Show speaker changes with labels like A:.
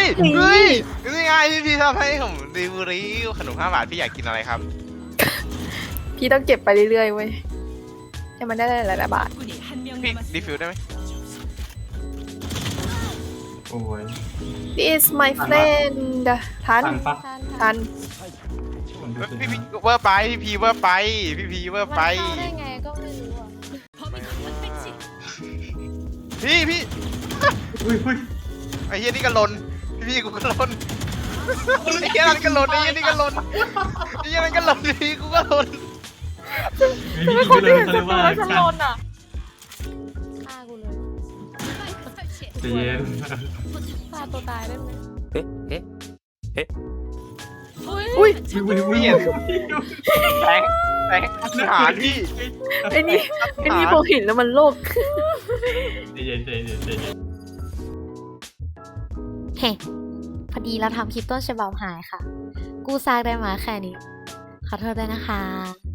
A: เฮ้ยนี่ไงพี่ทำให้ผมดิวรีขนม5 บาทพี่อยากกินอะไรครับ
B: พี่ต้องเก็บไปเรื่อยๆเว้ยให้มันได้หลายๆบาท
A: พี่รีฟิลได้ไหม
C: โอ้ย
B: This is my friend ทัน
C: ทันปะ
B: ทัน
C: ผมดูสิ
A: พี่เวอร์ไปพี่พีเวอร์ไปพี่พีเวอร์ไป
D: มันเข้าได้ไงก็ไม่รู้อ่ะ
A: พี่
C: อุ้ย
A: ไอ้เหี้ยนี่ก็หล่นพี่กูก็หล่นไอ้เหี้ยนั่นก็หล่นไอ้เหี้ยนี่ก็หล่นไอ้เหี้ยนั่นก็หล่นพี่กูก็หล่น
C: ไม่มีเลยเขาเรียกว่า
B: ฉัน
C: การ
B: โดนอ่ะ
D: ฆ่ากูเลย
C: ใจเย็น
D: ฆ่าตัวตายได้ไหม
B: อุ้ย
C: อุ้ย
A: แทงหาพี่
B: ไอ้นี่พอเห็นแล้วมันโลก
C: ใจเย็น
D: เฮ้พอดีเราทำคลิปต้นฉบับหายค่ะ กู้ซากได้มาแค่นี้ ขอโทษด้วยนะคะ